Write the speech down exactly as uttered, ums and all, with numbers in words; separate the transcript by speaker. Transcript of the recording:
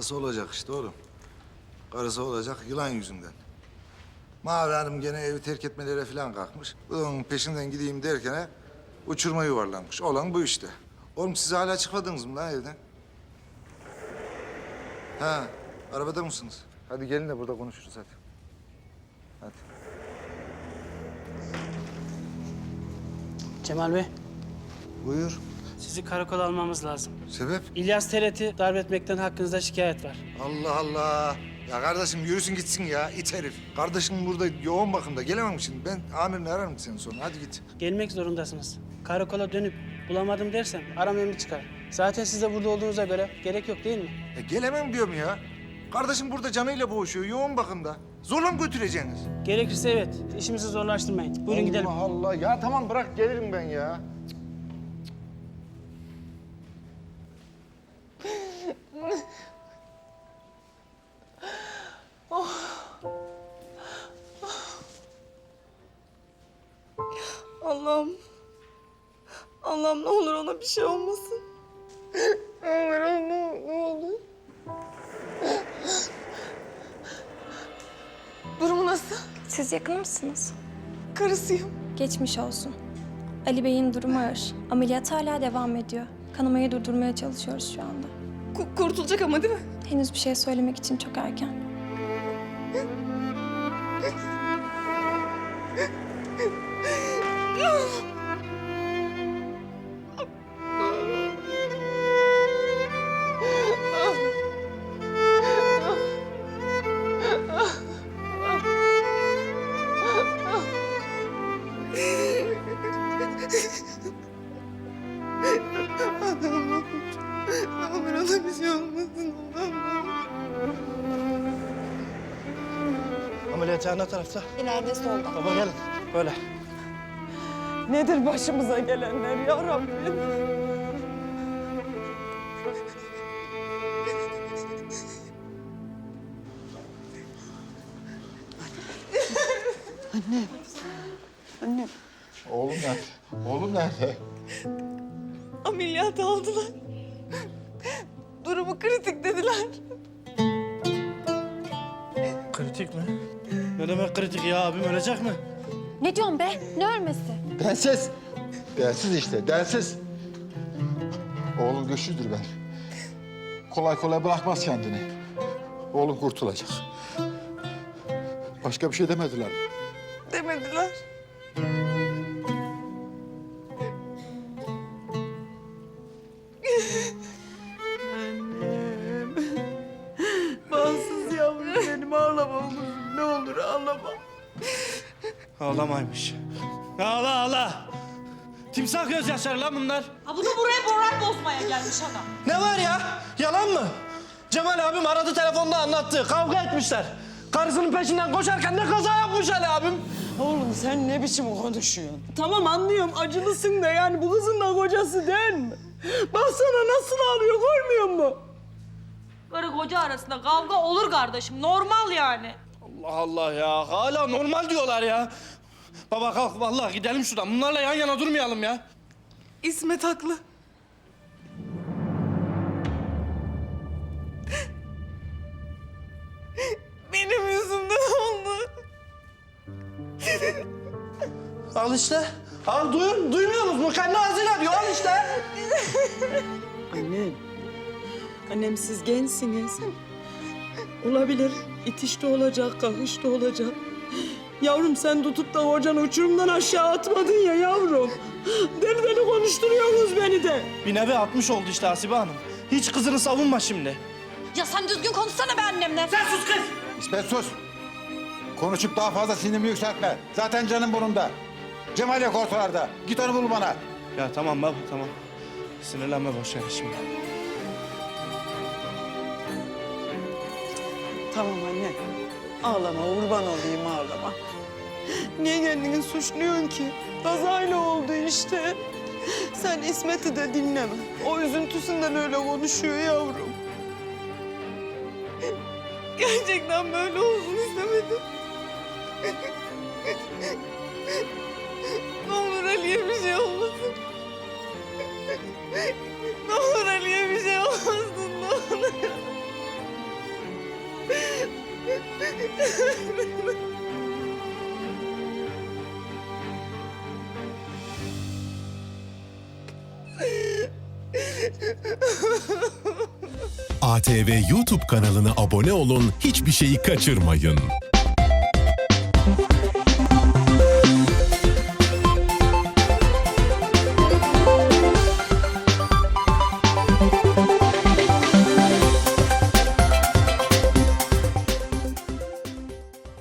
Speaker 1: Karısı olacak işte oğlum. Karısı olacak yılan yüzünden. Mavi Hanım gene evi terk etmelere falan kalkmış. Onun peşinden gideyim derken uçurma yuvarlanmış. Olan bu işte. Oğlum siz hala çıkmadınız mı lan evden? Ha, arabada mısınız? Hadi gelin de burada konuşuruz hadi. Hadi.
Speaker 2: Cemal Bey,
Speaker 1: Buyur.
Speaker 2: sizi karakola almamız lazım.
Speaker 1: Sebep?
Speaker 2: İlyas Teret'i darp etmekten hakkınızda şikayet var.
Speaker 1: Allah Allah. Ya kardeşim yürüsün gitsin ya it herif. Kardeşim burada yoğun bakımda. Gelemem şimdi. Ben amirini ararım seni sonra. Hadi git.
Speaker 2: Gelmek zorundasınız. Karakola dönüp bulamadım dersem aram emri çıkar. Zaten siz de burada olduğunuza göre gerek yok değil mi?
Speaker 1: E gelemem diyorum ya. Kardeşim burada canıyla boğuşuyor. Yoğun bakımda. Zorla mı götüreceksiniz?
Speaker 2: Gerekirse evet. İşimizi zorlaştırmayın. Buyurun gidelim.
Speaker 1: Allah Allah. Ya tamam bırak gelirim ben ya.
Speaker 3: Allah'ım. Allah'ım ne olur ona bir şey olmasın. Ne olur Allah'ım ne olur. Durumu nasıl?
Speaker 4: Siz yakın mısınız?
Speaker 3: Karısıyım.
Speaker 4: Geçmiş olsun. Ali Bey'in durumu ağır. Ameliyat hala devam ediyor. Kanamayı durdurmaya çalışıyoruz şu anda.
Speaker 3: Ku- kurtulacak ama değil mi?
Speaker 4: Henüz bir şey söylemek için çok erken.
Speaker 3: Allah'ım ne olur. Ne olur ona bir şey olmasın. Allah'ım.
Speaker 2: Ameliyathane tarafta.
Speaker 4: İleride solda.
Speaker 2: Baba gelin. Böyle.
Speaker 3: Nedir başımıza gelenler ya Rabbim? Anne. Anne.
Speaker 1: Oğlum nerede? Oğlum nerede?
Speaker 3: Ameliyat aldılar. Durumu kritik dediler.
Speaker 2: Kritik mi? Ne demek kritik ya? Abim ölecek mi?
Speaker 4: Ne diyorsun be? Ne ölmesi?
Speaker 5: Densiz. Densiz işte, densiz. Oğlum güçlüdür ben. Kolay kolay bırakmaz kendini. Oğlum kurtulacak. Başka bir şey demediler mi?
Speaker 3: Demediler. Annem. Bağımsız yavrum benim ağlama oğlum. Ne olur ağlama.
Speaker 2: Ağlamaymış. Ağla ağla. Timsah gözyaşları lan bunlar.
Speaker 6: Ha bunu buraya moral bozmaya gelmiş adam.
Speaker 2: Ne var ya? Yalan mı? Cemal abim aradı telefonda anlattı. Kavga etmişler. Karısının peşinden koşarken ne kaza yapmış Ali abim.
Speaker 3: Oğlum sen ne biçim konuşuyorsun? Tamam anlıyorum acılısın da yani bu kızın da kocası değil mi? Baksana nasıl ağlıyor görmüyor musun?
Speaker 6: Karı koca arasında kavga olur kardeşim. Normal yani.
Speaker 2: Allah Allah ya. Hala normal diyorlar ya. Baba kalk vallahi gidelim şuradan. Bunlarla yan yana durmayalım ya.
Speaker 3: İsmet haklı. Benim yüzümden oldu.
Speaker 2: Al işte. Al duyun. Duymuyor musunuz? Kendi ağzıyla diyor. Al işte.
Speaker 3: Annem. Annem siz gençsiniz. Olabilir. İtiş de olacak, kakış da olacak. Yavrum sen tutup da hocanı uçurumdan aşağı atmadın ya yavrum. Deli deli konuşturuyorsunuz beni de.
Speaker 2: Bir nevi atmış oldu işte Hasibe Hanım. Hiç kızını savunma şimdi.
Speaker 6: Ya sen düzgün konuşsana be annemle.
Speaker 2: Sen sus kız.
Speaker 5: İsmet sus. Konuşup daha fazla sinirimi yükseltme. Zaten canım burnumda. Cemal yok ortalarda. Git onu bul bana.
Speaker 2: Ya tamam baba tamam. Sinirlenme boş ver şimdi.
Speaker 3: Tamam anne. Ağlama, kurban olayım ağlama. Niye kendini suçluyorsun ki? Kazayla oldu işte. Sen İsmet'i de dinleme. O üzüntüsünden öyle konuşuyor yavrum. Gerçekten böyle olsun istemedim. Ne olur Ali'ye bir şey olmasın. Ne olur Ali'ye bir şey olmasın, ne olur.
Speaker 7: A T V YouTube kanalına abone olun, hiçbir şeyi kaçırmayın.